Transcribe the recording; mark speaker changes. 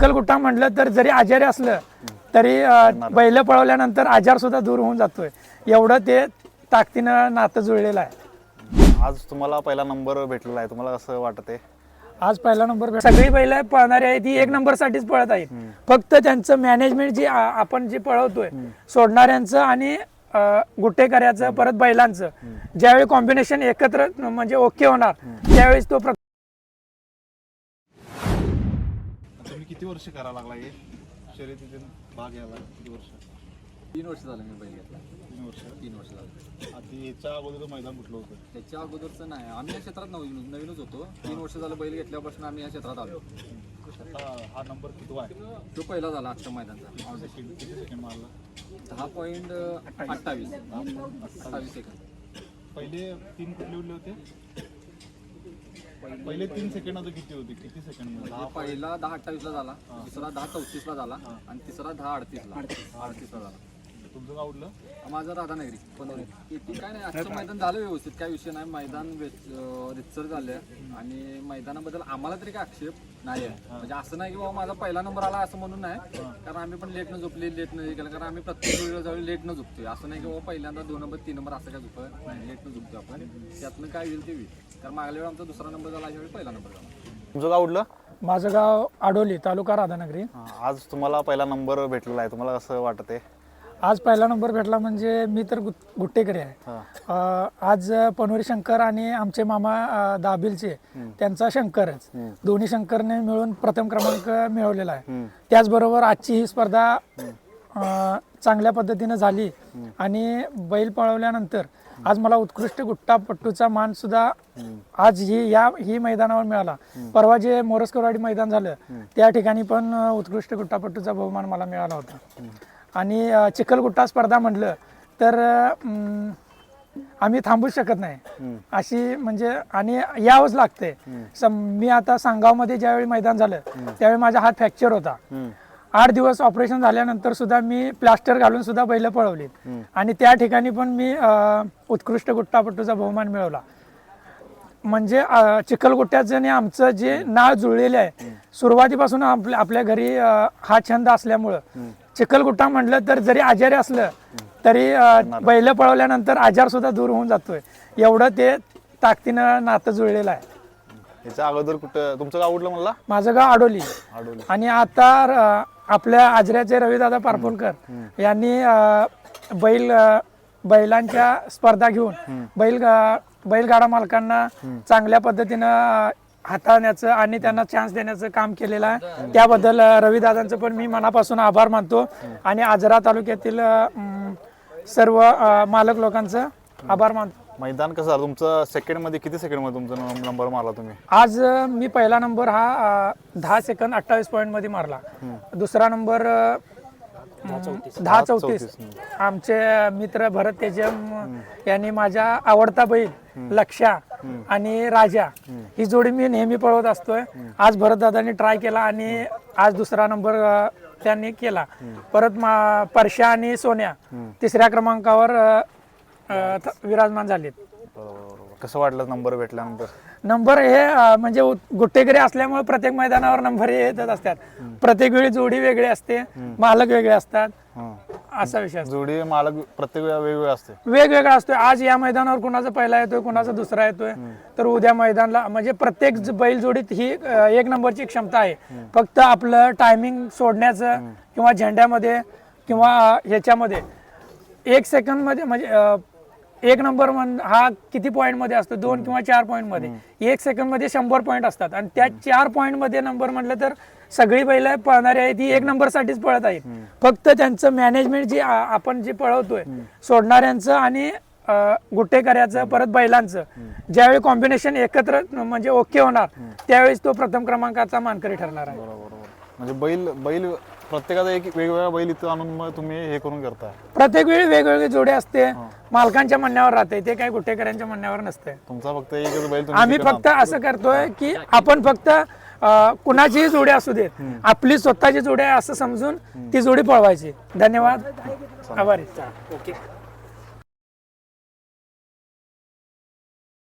Speaker 1: चिखलगुट्टा म्हटलं तर जरी आजारी असलं तरी बैल पळवल्यानंतर आजार सुद्धा दूर होऊन जातोय, एवढं ते ताकदीनं नातं जुळलेलं आहे.
Speaker 2: आज तुम्हाला पहिला नंबर भेटलेला आहे, तुम्हाला कसं वाटते?
Speaker 1: आज पहिला नंबर सगळी बैल पळणारी आहे ती 1 नंबरसाठीच पळत आहेत. फक्त त्यांचं मॅनेजमेंट जे आपण जे पळवतोय सोडणाऱ्यांचं आणि गुट्टेकऱ्याचं परत बैलांचं ज्यावेळी कॉम्बिनेशन एकत्र म्हणजे ओके होणार त्यावेळेस तो
Speaker 2: तुम्ही किती वर्ष करायला लागला हे शर्यतीत भाग घ्यायला? किती वर्ष?
Speaker 3: 3 वर्ष झालं मी बैल घेतला.
Speaker 2: 3 वर्ष
Speaker 3: झालं.
Speaker 2: आधी याच्या अगोदर मैदान कुठलं होतं?
Speaker 3: त्याच्या अगोदरचं नाही, आम्ही या क्षेत्रात नवीनच होतो. 3 वर्ष झालं बैल घेतल्यापासून आम्ही या क्षेत्रात आलो.
Speaker 2: हा नंबर किती आहे?
Speaker 3: तो पहिला झाला आजच्या मैदानचा.
Speaker 2: किती सेकंड मारला?
Speaker 3: 10.28 सेकंद.
Speaker 2: पहिले 3 कुठले उरले होते? पहिले 3 सेकंड किती होते? किती सेकंड मध्ये?
Speaker 3: पहिला 10.28 ला झाला, दुसरा 10.34 ला झाला आणि तिसरा 10.38 ला झाला.
Speaker 2: तुमचं गाव उडलं?
Speaker 3: माझं राधानगरी पनोरी. किती काय नाही, आजचं मैदान झालं व्यवस्थित, काय विषय नाही. मैदान रितसर झालं आणि मैदानाबद्दल आम्हाला तरी काय आक्षेप नाही आहे. म्हणजे असं नाही की बाबा माझा पहिला नंबर आला असं म्हणून नाही, कारण आम्ही पण लेट न झोपले, लेट न केलं, कारण आम्ही प्रत्येक वेळेला जाऊन लेट न झोपतोय. असं नाही की बाबा पहिल्यांदा 2 नंबर 3 नंबर असं काय झोपत नाही, लेट न झोपतोय आपण. त्यातनं काय होईल ते होईल, कारण मागल्या वेळी आमचा दुसरा नंबर झाला, यावेळी पहिला नंबर झाला.
Speaker 2: तुमचं गाव उडलं?
Speaker 1: माझं गाव आडोली, तालुका राधानगरी.
Speaker 2: आज तुम्हाला पहिला नंबर भेटलेला आहे, तुम्हाला कसं वाटते?
Speaker 1: आज पहिला नंबर भेटला म्हणजे मी तर गुट्टेकरी आहे. आज पनोरी शंकर आणि आमचे मामा दाबिलचे त्यांचा शंकरच, दोन्ही शंकरने मिळून प्रथम क्रमांक मिळवलेला आहे. त्याचबरोबर आजची ही स्पर्धा चांगल्या पद्धतीनं झाली आणि बैल पळवल्यानंतर आज मला उत्कृष्ट गुट्टापट्टूचा मान सुद्धा आज ही मैदानावर मिळाला. परवा जे मोरसकरवाडी मैदान झालं त्या ठिकाणी पण उत्कृष्ट गुट्टापट्टूचा बहुमान मला मिळाला होता. आणि चिखलगुट्टा स्पर्धा म्हटलं तर आम्ही थांबू शकत नाही अशी, म्हणजे आणि यावंच लागते. मी आता सांगावमध्ये ज्यावेळी मैदान झालं त्यावेळी माझा हात फ्रॅक्चर होता. 8 दिवस ऑपरेशन झाल्यानंतर सुद्धा मी प्लास्टर घालून सुद्धा बैल पळवली आणि त्या ठिकाणी पण मी उत्कृष्ट गुट्टापट्टूचा बहुमान मिळवला. म्हणजे चिखलगुट्ट्याचं आणि आमचं जे नाळ जुळलेलं आहे सुरुवातीपासून आपल्या घरी हा छंद असल्यामुळं चिखलगुट्टा म्हटलं तर जरी आजारी असलं तरी बैल पळवल्यानंतर आजार सुद्धा दूर होऊन जातोय, एवढं ते ताकदीनं नातं जुळलेलं आहे.
Speaker 2: याच्या अगोदर कुठं तुमचं गाव उडलं म्हणला?
Speaker 1: माझं गाव आडोली. आणि आता आपल्या आजऱ्याचे रविदादा पारपोलकर यांनी बैलांच्या स्पर्धा घेऊन बैलगाडा मालकांना चांगल्या पद्धतीनं हाताळण्याचं आणि त्यांना चान्स देण्याचं काम केलेलं आहे. त्याबद्दल रविदादांचं पण मी मनापासून आभार मानतो आणि आजरा तालुक्यातील सर्व मालक लोकांचं आभार मानतो.
Speaker 2: मैदान कसं झालं तुमचं? सेकंड मध्ये किती सेकंड मध्ये तुमचा नंबर मारला तुम्ही?
Speaker 1: आज मी पहिला नंबर हा 10 सेकंद 28 पॉईंट मध्ये मारला. दुसरा नंबर 10:34. आमचे मित्र भरत तेजम यांनी माझा आवडता बैल लक्षा आणि राजा ही जोडी मी नेहमी पळवत असतोय. आज भरत दादांनी ट्राय केला आणि आज दुसरा नंबर त्यांनी केला. परत परशा आणि सोन्या 3ऱ्या क्रमांकावर विराजमान झालेत.
Speaker 2: कसं वाटलं नंबर भेटल्यानंतर?
Speaker 1: नंबर हे म्हणजे गुट्टेकरी असल्यामुळे प्रत्येक मैदानावर नंबर येतच असतात. प्रत्येक वेळी जोडी वेगळी असते, मालक वेगळे असतात, असा विषय.
Speaker 2: जोडी मालक प्रत्येक वेळा वेगवेगळा असते,
Speaker 1: वेगवेगळा असतोय. आज या मैदानावर कुणाचा पहिला येतोय, कुणाचा दुसरा येतोय, तर उद्या मैदानाला म्हणजे प्रत्येक बैल जोडीत ही 1 नंबरची क्षमता आहे. फक्त आपलं टायमिंग सोडण्याचं किंवा झेंड्यामध्ये किंवा ह्याच्यामध्ये 1 सेकंद मध्ये म्हणजे 1 नंबर हा किती पॉईंट मध्ये असतो? 2 किंवा 4 पॉईंट मध्ये. 1 सेकंद मध्ये 100 पॉईंट असतात आणि त्या 4 पॉईंट मध्ये नंबर म्हटलं तर सगळी बैल पळणारी आहेत ती 1 नंबरसाठीच पळत आहेत. फक्त त्यांचं मॅनेजमेंट जे आपण जे पळवतोय सोडणाऱ्यांचं आणि गुट्टेकऱ्याचं परत बैलांचं ज्यावेळी कॉम्बिनेशन एकत्र म्हणजे ओके होणार त्यावेळेस तो प्रथम क्रमांकाचा मानकरी ठरणार आहे.
Speaker 2: म्हणजे बैल प्रत्येकाचा एक वेगवेगळा बैल इथं आणून मग तुम्ही हे करून करता? प्रत्येक
Speaker 1: वेळी वेगवेगळी जोडी असते, मालकांच्या म्हणण्यावर राहते, ते काही गुट्टेकऱ्यांच्या म्हणण्यावर नसते.
Speaker 2: तुमचा फक्त एकच बैल?
Speaker 1: आम्ही फक्त असं करतोय की आपण फक्त कुणाचीही जोडी असू देत, आपली स्वतःची जोडी आहे असं समजून ती जोडी पळवायची. धन्यवाद, आभारी. ओके.